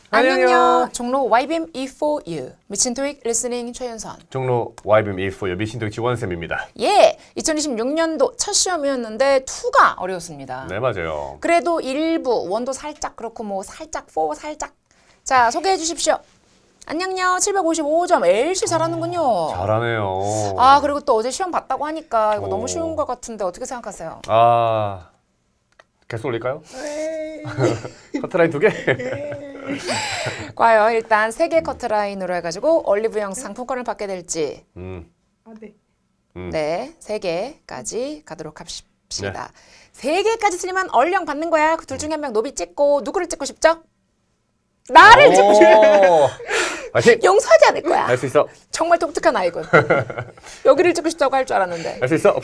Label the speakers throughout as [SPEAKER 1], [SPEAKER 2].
[SPEAKER 1] 안녕요. 종로 YBM E4U 미친 토익 리스닝 최윤선.
[SPEAKER 2] 종로 YBM E4U 미신토익 지원쌤입니다.
[SPEAKER 1] 예, 2026년도 첫 시험이었는데 2가 어려웠습니다.
[SPEAKER 2] 네, 맞아요.
[SPEAKER 1] 그래도 일부 원도 살짝 그렇고 뭐 살짝 4 살짝. 자, 소개해 주십시오. 안녕요. 755점. LC 잘하는군요.
[SPEAKER 2] 잘하네요.
[SPEAKER 1] 아, 그리고 또 어제 시험 봤다고 하니까 이거 너무 쉬운 것 같은데 어떻게 생각하세요?
[SPEAKER 2] 개수 올릴까요? 커트라인 2개?
[SPEAKER 1] 과연 일단 3개 커트라인으로 해가지고 올리브영 상품권을 받게 될지.
[SPEAKER 3] 네.
[SPEAKER 1] 네, 3개까지 가도록 합시다. 3개까지 틀리면 얼령 받는 거야. 그 둘 중에 한 명 노비 찍고 누구를 찍고 싶죠? 나를 찍고 싶어.
[SPEAKER 2] 화이팅!
[SPEAKER 1] 용서하지 않을 거야.
[SPEAKER 2] 할 수 있어.
[SPEAKER 1] 정말 독특한 아이군. 여기를 찍고 싶다고 할 줄 알았는데.
[SPEAKER 2] 할 수 있어.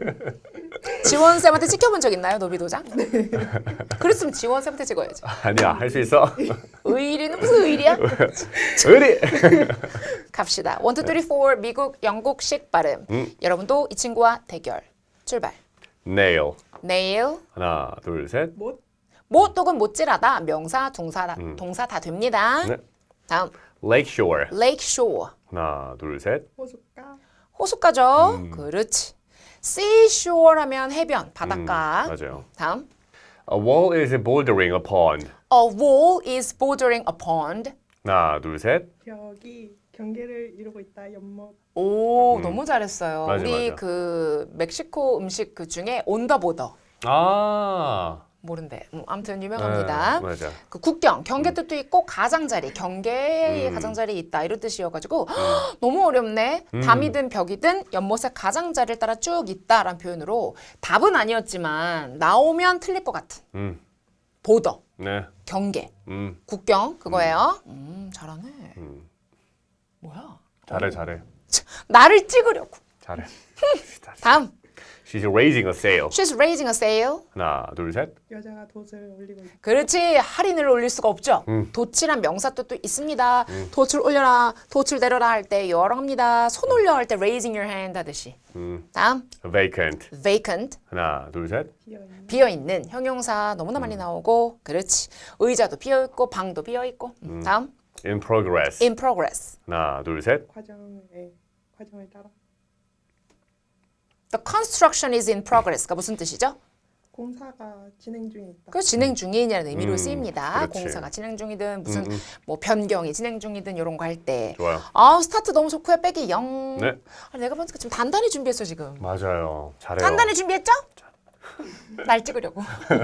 [SPEAKER 1] 지원쌤한테 찍혀본 적 있나요, 노비 도장? 그랬으면 지원쌤한테 찍어야지.
[SPEAKER 2] 아니야, 할 수 있어.
[SPEAKER 1] 의리는 무슨 의리야?
[SPEAKER 2] 의리!
[SPEAKER 1] 갑시다. 1, 2, 3, 4 미국, 영국식 발음. 여러분도 이 친구와 대결. 출발.
[SPEAKER 2] nail.
[SPEAKER 1] nail.
[SPEAKER 2] 하나, 둘, 셋.
[SPEAKER 1] 못 혹은 못질하다. 명사, 동사 다 됩니다.
[SPEAKER 2] 네.
[SPEAKER 1] 다음.
[SPEAKER 2] lake shore.
[SPEAKER 1] lake shore.
[SPEAKER 2] 하나, 둘, 셋.
[SPEAKER 3] 호숫가.
[SPEAKER 1] 호숫가죠. 그렇지. seashore 하면 해변, 바닷가.
[SPEAKER 2] 맞아요.
[SPEAKER 1] 다음.
[SPEAKER 2] A wall is bouldering a pond.
[SPEAKER 1] A wall is bordering a pond.
[SPEAKER 2] 하나, 둘, 셋.
[SPEAKER 3] 벽이 경계를 이루고 있다. 연못.
[SPEAKER 1] 오, 너무 잘했어요.
[SPEAKER 2] 맞아,
[SPEAKER 1] 우리
[SPEAKER 2] 맞아.
[SPEAKER 1] 그 멕시코 음식 그 중에 온더보더. 모른대. 아무튼 유명합니다.
[SPEAKER 2] 네, 맞아.
[SPEAKER 1] 그 국경, 경계 뜻도 있고 가장자리, 경계에 가장자리 있다 이런 뜻이어가지고 너무 어렵네. 담이든 벽이든 연못의 가장자리를 따라 쭉 있다라는 표현으로 답은 아니었지만 나오면 틀릴 것 같은. 보더,
[SPEAKER 2] 네.
[SPEAKER 1] 경계,
[SPEAKER 2] 음.
[SPEAKER 1] 국경 그거예요. 잘하네. 뭐야?
[SPEAKER 2] 잘해.
[SPEAKER 1] 나를 찍으려고.
[SPEAKER 2] 잘해.
[SPEAKER 1] 다음.
[SPEAKER 2] She's raising a sail.
[SPEAKER 1] She's raising a sail.
[SPEAKER 2] 하나, 둘, 셋.
[SPEAKER 3] 여자가 돛을 올리고 있다.
[SPEAKER 1] 그렇지. 할인을 올릴 수가 없죠. 돛이란 명사 뜻도 있습니다. 돛을 올려라, 돛을 내려라 할 때 여러합니다. 손 올려 할 때 raising your hand 하듯이. 다음.
[SPEAKER 2] vacant.
[SPEAKER 1] vacant.
[SPEAKER 2] 하나, 둘, 셋.
[SPEAKER 3] 비어있는.
[SPEAKER 1] 비어있는 형용사 너무나 많이 나오고 그렇지. 의자도 비어있고 방도 비어있고. 다음.
[SPEAKER 2] in progress.
[SPEAKER 1] in progress.
[SPEAKER 2] 하나, 둘, 셋.
[SPEAKER 3] 과정을 따라.
[SPEAKER 1] The construction is in progress가 무슨 뜻이죠?
[SPEAKER 3] 공사가 진행 중에 있다.
[SPEAKER 1] 그 진행 중이냐는 의미로 쓰입니다.
[SPEAKER 2] 그렇지.
[SPEAKER 1] 공사가 진행 중이든 무슨 뭐 변경이 진행 중이든 이런 거 할 때.
[SPEAKER 2] 좋아요.
[SPEAKER 1] 아 스타트 너무 좋고요. 빼기 0.
[SPEAKER 2] 네.
[SPEAKER 1] 아, 내가 보니까 지금 단단히 준비했어 지금.
[SPEAKER 2] 맞아요. 잘해요.
[SPEAKER 1] 단단히 준비했죠? 날 찍으려고.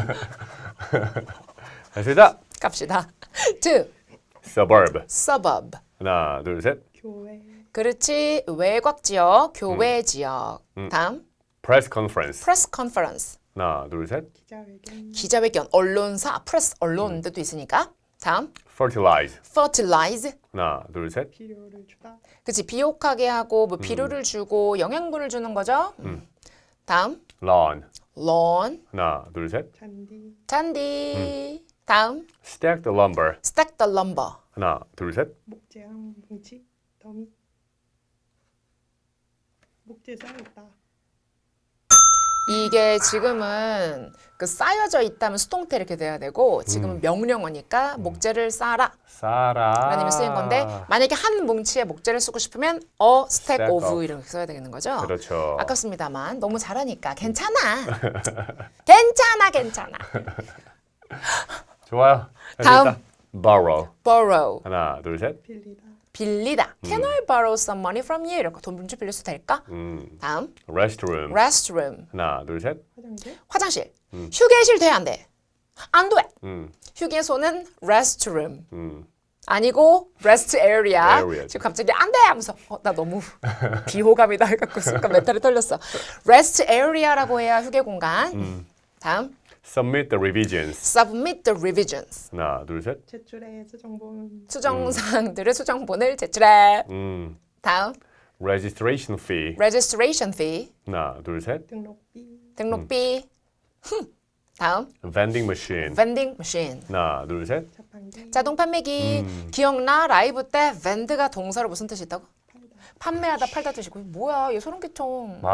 [SPEAKER 2] 할 수 있다.
[SPEAKER 1] 갑시다. 2.
[SPEAKER 2] suburb.
[SPEAKER 1] suburb.
[SPEAKER 2] 하나, 둘, 셋.
[SPEAKER 3] 교회.
[SPEAKER 1] 그렇지. 외곽 지역, 교외 지역. 다음.
[SPEAKER 2] press conference.
[SPEAKER 1] press conference.
[SPEAKER 2] 하나, 둘, 셋.
[SPEAKER 3] 기자회견.
[SPEAKER 1] 기자회견, 언론사, press 언론 뜻도 있으니까. 다음.
[SPEAKER 2] fertilize.
[SPEAKER 1] fertilize.
[SPEAKER 2] 하나, 둘, 셋.
[SPEAKER 3] 비료를 주다.
[SPEAKER 1] 그치. 비옥하게 하고 뭐 비료를 주고 영양분을 주는 거죠. 다음.
[SPEAKER 2] lawn.
[SPEAKER 1] lawn.
[SPEAKER 2] 하나, 둘, 셋.
[SPEAKER 3] 잔디.
[SPEAKER 1] 잔디. 다음.
[SPEAKER 2] stack the lumber.
[SPEAKER 1] stack the lumber.
[SPEAKER 2] 하나, 둘, 셋.
[SPEAKER 3] 목재랑 뭉치. 더미. 목재 쌓여있다.
[SPEAKER 1] 이게 지금은 그 쌓여져 있다면 수동태 이렇게 돼야 되고 지금은 명령어니까 목재를 쌓아라
[SPEAKER 2] 싸라.
[SPEAKER 1] 라는 의미 쓰인 건데 만약에 한 뭉치에 목재를 쓰고 싶으면 a stack
[SPEAKER 2] Stack
[SPEAKER 1] of
[SPEAKER 2] of.
[SPEAKER 1] 이렇게 써야 되는 거죠.
[SPEAKER 2] 그렇죠.
[SPEAKER 1] 아깝습니다만 너무 잘하니까 괜찮아. 괜찮아.
[SPEAKER 2] 좋아요. 할수
[SPEAKER 1] 다음.
[SPEAKER 2] 있다. borrow.
[SPEAKER 1] borrow.
[SPEAKER 2] 하나, 둘, 셋.
[SPEAKER 3] 빌리다.
[SPEAKER 1] 빌리다. Can I borrow some money from you? 이렇게 돈 좀 빌릴 수 될까? 다음.
[SPEAKER 2] restroom.
[SPEAKER 1] restroom.
[SPEAKER 2] 하나, 둘, 셋.
[SPEAKER 3] 화장실.
[SPEAKER 1] 화장실. 휴게실 돼 안 돼? 안 돼.
[SPEAKER 2] 음,
[SPEAKER 1] 휴게소는 restroom.
[SPEAKER 2] 음.
[SPEAKER 1] 아니고 rest area.
[SPEAKER 2] area.
[SPEAKER 1] 지금 갑자기 안 돼 하면서 나 너무 비호감이다 해갖고 순간 멘탈이 털렸어. rest area라고 해야 휴게 공간. 다음.
[SPEAKER 2] submit the revisions.
[SPEAKER 1] submit the revisions.
[SPEAKER 2] 하나, 둘, 셋.
[SPEAKER 3] 제출의 수정본.
[SPEAKER 1] 수정사항들의 수정본을 제출해. 다음.
[SPEAKER 2] registration fee.
[SPEAKER 1] registration fee.
[SPEAKER 2] 하나, 둘, 셋.
[SPEAKER 3] 등록비.
[SPEAKER 1] 등록비. 다음.
[SPEAKER 2] vending machine.
[SPEAKER 1] vending machine.
[SPEAKER 2] 하나, 둘, 셋.
[SPEAKER 3] 자판기.
[SPEAKER 1] 자동 판매기. 기억나? 라이브 때 vend가 동사로 무슨 뜻이 있다고? 판매하다 팔다 뜻이고. 뭐야 얘 소름 끼쳐.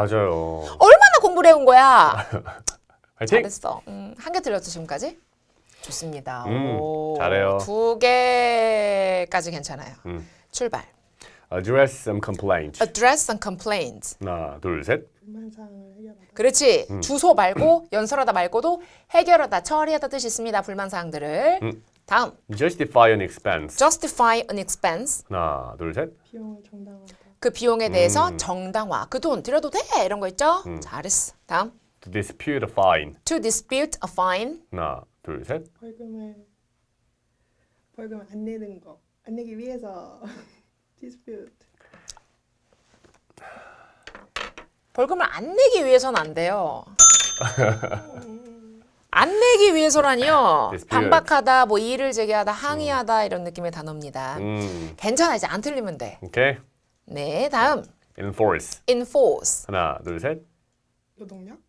[SPEAKER 2] 맞아요.
[SPEAKER 1] 얼마나 공부를 해온 거야?
[SPEAKER 2] 화이팅!
[SPEAKER 1] 잘했어. 한 개 틀렸죠 지금까지? 좋습니다.
[SPEAKER 2] 잘해요.
[SPEAKER 1] 2개까지 괜찮아요. 출발.
[SPEAKER 2] Address some complaint.
[SPEAKER 1] Address some complaints.
[SPEAKER 2] 하나, 둘, 셋.
[SPEAKER 3] 불만사항을 해결하다.
[SPEAKER 1] 그렇지. 주소 말고 연설하다 말고도 해결하다, 처리하다 뜻이 있습니다. 불만사항들을. 다음.
[SPEAKER 2] Justify an expense.
[SPEAKER 1] Justify an expense.
[SPEAKER 2] 하나, 둘, 셋.
[SPEAKER 3] 비용을 정당화하다.
[SPEAKER 1] 그 비용에 대해서 정당화. 그 돈 들여도 돼. 이런 거 있죠? 잘했어. 다음.
[SPEAKER 2] To dispute a fine.
[SPEAKER 1] To dispute a fine.
[SPEAKER 2] 하나, 둘, 셋.
[SPEAKER 3] 벌금을 안 내는 거. 안 내기 위해서 dispute.
[SPEAKER 1] 벌금을 안 내기 위해서는 안 돼요. 안 내기 위해서라니요.
[SPEAKER 2] Dispute.
[SPEAKER 1] 반박하다, 뭐 이의를 제기하다, 항의하다 이런 느낌의 단어입니다. 괜찮아. 이제 안 틀리면 돼.
[SPEAKER 2] 오케이.
[SPEAKER 1] 네, 다음.
[SPEAKER 2] Enforce.
[SPEAKER 1] enforce.
[SPEAKER 2] 하나, 둘, 셋.
[SPEAKER 3] 노동력?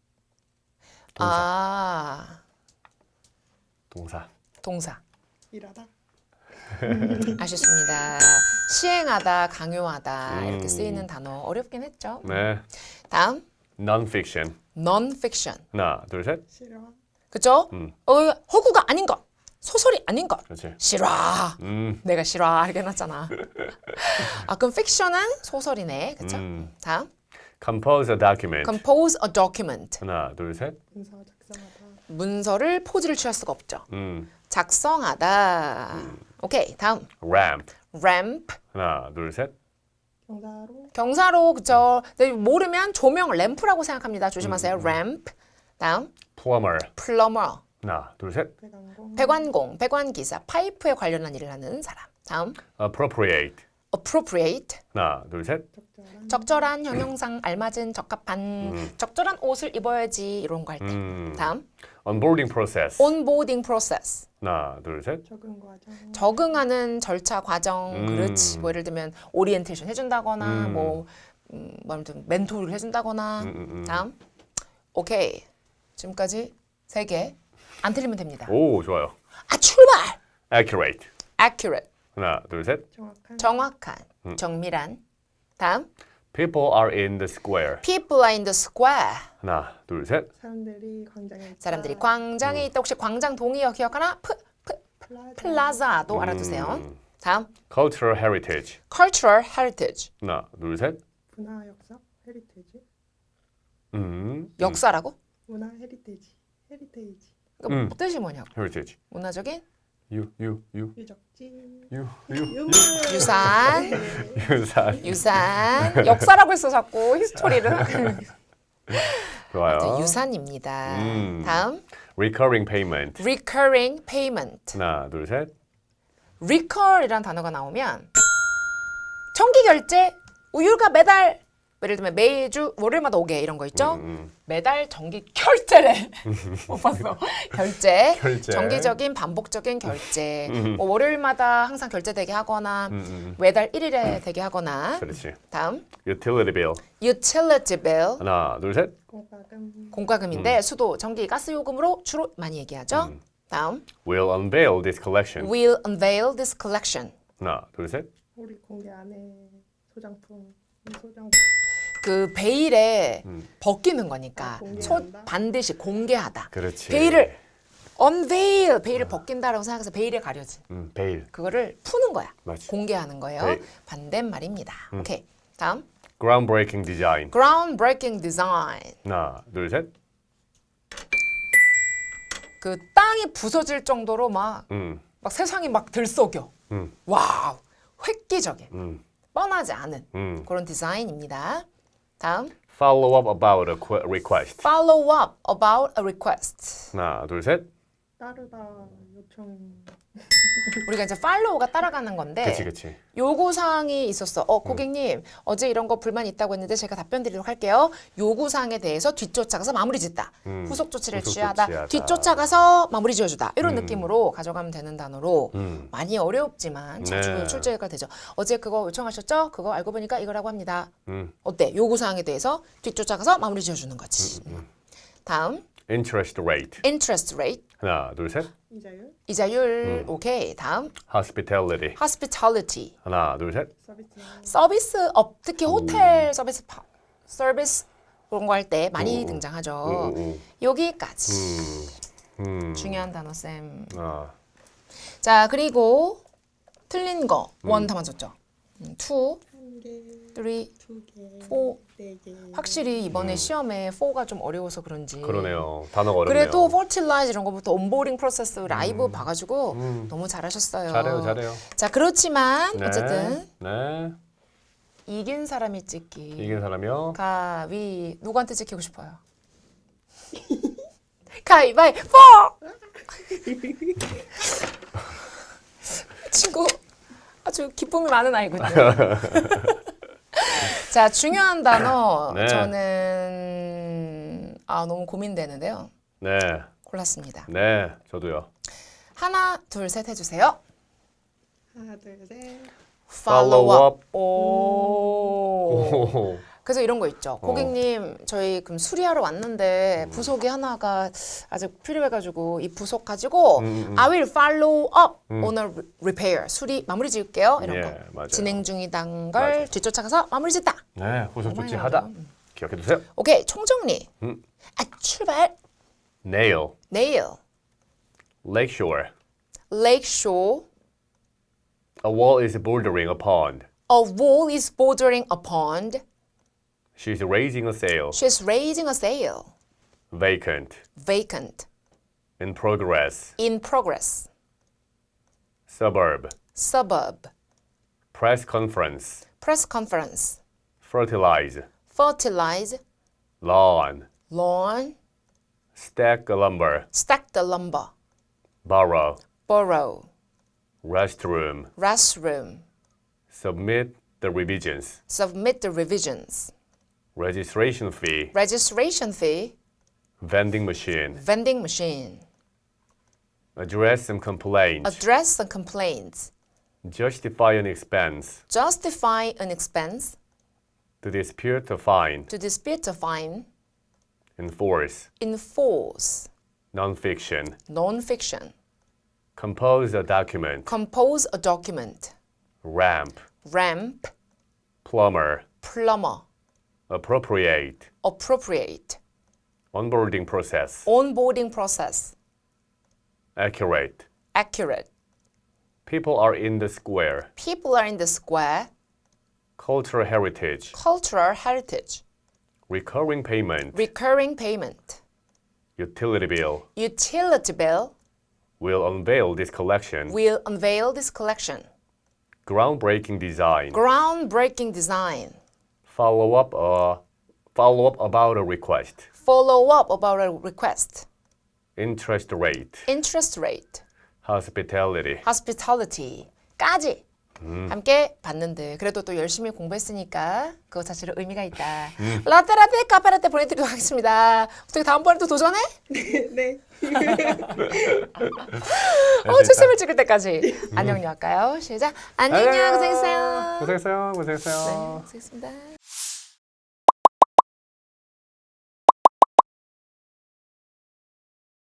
[SPEAKER 1] 아,
[SPEAKER 2] 동사.
[SPEAKER 1] 동사.
[SPEAKER 3] 일하다.
[SPEAKER 1] 아쉽습니다. 시행하다, 강요하다 이렇게 쓰이는 단어 어렵긴 했죠.
[SPEAKER 2] 네.
[SPEAKER 1] 다음.
[SPEAKER 2] Non-fiction.
[SPEAKER 1] non-fiction.
[SPEAKER 2] 하나, 둘, 셋.
[SPEAKER 3] 실화.
[SPEAKER 1] 그죠? 허구가 아닌 것. 소설이 아닌 것.
[SPEAKER 2] 그렇지.
[SPEAKER 1] 실화. 내가 실화 이렇게 해놨잖아. 아, 그럼 fiction은 소설이네. 그쵸? 다음.
[SPEAKER 2] Compose a document.
[SPEAKER 1] compose a document.
[SPEAKER 2] 하나, 둘, 셋.
[SPEAKER 3] 문서 작성하다.
[SPEAKER 1] 문서를 포즈를 취할 수가 없죠. 작성하다. 오케이, 다음.
[SPEAKER 2] Ramp.
[SPEAKER 1] ramp.
[SPEAKER 2] 하나, 둘, 셋.
[SPEAKER 3] 경사로.
[SPEAKER 1] 경사로, 그쵸? 근데 모르면 조명, 램프라고 생각합니다. 조심하세요. ramp. 다음.
[SPEAKER 2] Plumber.
[SPEAKER 1] plumber.
[SPEAKER 2] 하나, 둘, 셋.
[SPEAKER 3] 배관공.
[SPEAKER 1] 배관공, 배관기사, 파이프에 관련한 일을 하는 사람. 다음.
[SPEAKER 2] Appropriate.
[SPEAKER 1] appropriate.
[SPEAKER 2] 하나, 둘, 셋.
[SPEAKER 1] 적절한, 형용상, 알맞은, 적합한, 적절한 옷을 입어야지 이런 거 할 때. 다음.
[SPEAKER 2] Onboarding process.
[SPEAKER 1] onboarding process.
[SPEAKER 2] 하나, 둘, 셋.
[SPEAKER 3] 적응 과정.
[SPEAKER 1] 적응하는 절차, 과정. 그렇지. 뭐 예를 들면 오리엔테이션 해준다거나 뭐 아무튼 멘토를 해준다거나. 다음. 오케이. 지금까지 3개. 안 틀리면 됩니다.
[SPEAKER 2] 오, 좋아요.
[SPEAKER 1] 아, 출발!
[SPEAKER 2] Accurate.
[SPEAKER 1] accurate.
[SPEAKER 2] 하나, 둘, 셋.
[SPEAKER 3] 정확한.
[SPEAKER 1] 정확한, 정밀한. 다음.
[SPEAKER 2] People are in the square.
[SPEAKER 1] people are in the square.
[SPEAKER 2] 하나, 둘, 셋.
[SPEAKER 3] 사람들이 광장에 있다.
[SPEAKER 1] 사람들이 광장에 있다. 혹시 광장 동의어 기억하나? 플라자도 알아두세요. 다음.
[SPEAKER 2] Cultural heritage.
[SPEAKER 1] cultural heritage.
[SPEAKER 2] 하나, 둘, 셋.
[SPEAKER 3] 문화 역사 헤리테이지.
[SPEAKER 1] 역사라고?
[SPEAKER 3] 문화 헤리테이지. 헤리테이지.
[SPEAKER 1] 그러니까 뭐 뜻이 뭐냐고.
[SPEAKER 2] heritage.
[SPEAKER 1] 문화적인
[SPEAKER 3] 유적지.
[SPEAKER 2] 유산.
[SPEAKER 3] 유물.
[SPEAKER 1] 유산. 역사라고 했어 자꾸 히스토리를.
[SPEAKER 2] 좋아요.
[SPEAKER 1] 유산입니다. 다음.
[SPEAKER 2] Recurring payment.
[SPEAKER 1] recurring payment.
[SPEAKER 2] 하나, 둘, 셋.
[SPEAKER 1] recur이라는 단어가 나오면 정기 결제, 우유가 매달 예를 들면 매주 월요일마다 오게 이런 거 있죠? 매달 정기 결제래. 못 봤어. 결제.
[SPEAKER 2] 결제.
[SPEAKER 1] 정기적인 반복적인 결제. 뭐 월요일마다 항상 결제되게 하거나 매달 1일에 되게 하거나.
[SPEAKER 2] 그렇지.
[SPEAKER 1] 다음.
[SPEAKER 2] Utility bill.
[SPEAKER 1] utility bill.
[SPEAKER 2] 하나, 둘, 셋.
[SPEAKER 3] 공과금.
[SPEAKER 1] 공과금인데 수도, 전기, 가스 요금으로 주로 많이 얘기하죠. 다음.
[SPEAKER 2] Will unveil this collection.
[SPEAKER 1] will unveil this collection.
[SPEAKER 2] 하나, 둘, 셋.
[SPEAKER 3] 우리 공개 안에 소장품. 소장품.
[SPEAKER 1] 그 베일에 벗기는 거니까
[SPEAKER 3] 공개한다.
[SPEAKER 1] 반드시 공개하다.
[SPEAKER 2] 그렇지.
[SPEAKER 1] 베일을 unveil, 베일을 벗긴다라고 생각해서 베일에 가려진
[SPEAKER 2] 베일.
[SPEAKER 1] 그거를 푸는 거야.
[SPEAKER 2] 맞지.
[SPEAKER 1] 공개하는 거예요.
[SPEAKER 2] 베일.
[SPEAKER 1] 반대말입니다. 오케이. 다음.
[SPEAKER 2] Groundbreaking design.
[SPEAKER 1] groundbreaking design.
[SPEAKER 2] 하나, 둘, 셋.
[SPEAKER 1] 그 땅이 부서질 정도로 막 세상이 막 들썩여. 와우. 획기적인. 뻔하지 않은 그런 디자인입니다. 다음.
[SPEAKER 2] Follow up about a request.
[SPEAKER 1] follow up about a request.
[SPEAKER 2] 하나, 둘, 셋.
[SPEAKER 3] 따르다 요청.
[SPEAKER 1] 우리가 이제 follow가 따라가는 건데
[SPEAKER 2] 그치.
[SPEAKER 1] 요구사항이 있었어. 고객님 어제 이런 거 불만 있다고 했는데 제가 답변 드리도록 할게요. 요구사항에 대해서 뒤쫓아가서 마무리 짓다. 후속 조치를
[SPEAKER 2] 후속
[SPEAKER 1] 취하다.
[SPEAKER 2] 조치하다.
[SPEAKER 1] 뒤쫓아가서 마무리 지어주다. 이런 느낌으로 가져가면 되는 단어로 많이 어렵지만 자주
[SPEAKER 2] 네.
[SPEAKER 1] 출제가 되죠. 어제 그거 요청하셨죠? 그거 알고 보니까 이거라고 합니다. 어때? 요구사항에 대해서 뒤쫓아가서 마무리 지어주는 거지. 다음.
[SPEAKER 2] Interest rate.
[SPEAKER 1] interest rate.
[SPEAKER 2] 하나, 둘, 셋.
[SPEAKER 3] 이자율.
[SPEAKER 1] 이자율. 오케이. 다음.
[SPEAKER 2] Hospitality.
[SPEAKER 1] hospitality.
[SPEAKER 2] 하나, 둘, 셋.
[SPEAKER 3] 서비스.
[SPEAKER 1] 서비스업, 특히 호텔 서비스 그런 거 할 때 많이 등장하죠. 여기까지. 중요한 단어 쌤.
[SPEAKER 2] 아,
[SPEAKER 1] 자 그리고 틀린 거 원 다 맞췄죠. 2,
[SPEAKER 3] 1개,
[SPEAKER 1] 3,
[SPEAKER 3] 2개,
[SPEAKER 1] 4.
[SPEAKER 3] 4개.
[SPEAKER 1] 확실히 이번에 시험에 4가 좀 어려워서 그런지.
[SPEAKER 2] 그러네요. 단어가 어렵네요.
[SPEAKER 1] 그래도 fertilize 이런 거부터 온보딩 프로세스 라이브 봐가지고 너무 잘하셨어요.
[SPEAKER 2] 잘해요, 잘해요.
[SPEAKER 1] 자 그렇지만
[SPEAKER 2] 네.
[SPEAKER 1] 어쨌든
[SPEAKER 2] 네.
[SPEAKER 1] 이긴 사람이 찍기.
[SPEAKER 2] 이긴 사람이요.
[SPEAKER 1] 가위 누구한테 찍히고 싶어요? 가위바위보! 친구 아주 기쁨이 많은 아이군요. 자 중요한 단어
[SPEAKER 2] 네.
[SPEAKER 1] 저는 너무 고민되는데요.
[SPEAKER 2] 네.
[SPEAKER 1] 골랐습니다.
[SPEAKER 2] 네. 저도요.
[SPEAKER 1] 하나 둘 셋 해주세요.
[SPEAKER 3] 하나, 둘, 셋.
[SPEAKER 1] Follow up. 오.
[SPEAKER 2] 오.
[SPEAKER 1] 그래서 이런 거 있죠. 고객님, 저희 그럼 수리하러 왔는데 부속이 하나가 아직 필요해가지고 이 부속 가지고 I will follow up on a repair. 수리 마무리 지을게요. 이런
[SPEAKER 2] 예,
[SPEAKER 1] 거.
[SPEAKER 2] 맞아요.
[SPEAKER 1] 진행 중이단 걸
[SPEAKER 2] 맞아요.
[SPEAKER 1] 뒤쫓아가서 마무리 짓다.
[SPEAKER 2] 네. 후속
[SPEAKER 1] 정말
[SPEAKER 2] 조치하다.
[SPEAKER 1] 어려워.
[SPEAKER 2] 기억해 두세요.
[SPEAKER 1] 오케이, 총정리. 출발.
[SPEAKER 2] Nail.
[SPEAKER 1] Nail.
[SPEAKER 2] Lakeshore.
[SPEAKER 1] Lakeshore.
[SPEAKER 2] A wall is bordering a pond.
[SPEAKER 1] A wall is bordering a pond.
[SPEAKER 2] She's raising a sail.
[SPEAKER 1] She's raising a sail.
[SPEAKER 2] Vacant.
[SPEAKER 1] Vacant.
[SPEAKER 2] In progress.
[SPEAKER 1] In progress.
[SPEAKER 2] Suburb.
[SPEAKER 1] Suburb.
[SPEAKER 2] Press conference.
[SPEAKER 1] Press conference.
[SPEAKER 2] Fertilize.
[SPEAKER 1] Fertilize.
[SPEAKER 2] Lawn.
[SPEAKER 1] Lawn.
[SPEAKER 2] Stack lumber.
[SPEAKER 1] Stack the lumber.
[SPEAKER 2] Borrow.
[SPEAKER 1] Borrow.
[SPEAKER 2] Restroom.
[SPEAKER 1] Restroom.
[SPEAKER 2] Submit the revisions.
[SPEAKER 1] Submit the revisions.
[SPEAKER 2] Registration fee.
[SPEAKER 1] Registration fee.
[SPEAKER 2] Vending machine.
[SPEAKER 1] Vending machine.
[SPEAKER 2] Address some complaint.
[SPEAKER 1] Address and complaints.
[SPEAKER 2] Justify an expense.
[SPEAKER 1] Justify an expense.
[SPEAKER 2] To dispute a fine.
[SPEAKER 1] To dispute a fine.
[SPEAKER 2] Enforce.
[SPEAKER 1] Enforce.
[SPEAKER 2] Nonfiction.
[SPEAKER 1] Non-fiction.
[SPEAKER 2] Compose a document.
[SPEAKER 1] Compose a document.
[SPEAKER 2] Ramp.
[SPEAKER 1] Ramp.
[SPEAKER 2] Plumber.
[SPEAKER 1] Plumber.
[SPEAKER 2] Appropriate.
[SPEAKER 1] Appropriate.
[SPEAKER 2] Onboarding process.
[SPEAKER 1] Onboarding process.
[SPEAKER 2] Accurate.
[SPEAKER 1] Accurate.
[SPEAKER 2] People are in the square.
[SPEAKER 1] People are in the square.
[SPEAKER 2] Cultural heritage.
[SPEAKER 1] Cultural heritage.
[SPEAKER 2] Recurring payment.
[SPEAKER 1] Recurring payment.
[SPEAKER 2] Utility bill.
[SPEAKER 1] Utility bill.
[SPEAKER 2] Will unveil this collection.
[SPEAKER 1] Will unveil this collection.
[SPEAKER 2] Groundbreaking design.
[SPEAKER 1] Groundbreaking design.
[SPEAKER 2] Follow up about a request.
[SPEAKER 1] Follow up about a request.
[SPEAKER 2] Interest rate.
[SPEAKER 1] Interest rate.
[SPEAKER 2] Hospitality.
[SPEAKER 1] Hospitality까지 함께 봤는데 그래도 또 열심히 공부했으니까 그거 자체로 의미가 있다. 라떼라떼 카페라떼 보내드리도록 하겠습니다. 어떻게 다음번에 또 도전해?
[SPEAKER 3] 네.
[SPEAKER 1] 출첵을 찍을 때까지 안녕요 할까요? 시작. 안녕요. 고생했어요.
[SPEAKER 2] 고생했어요.
[SPEAKER 1] 네, 고생했습니다.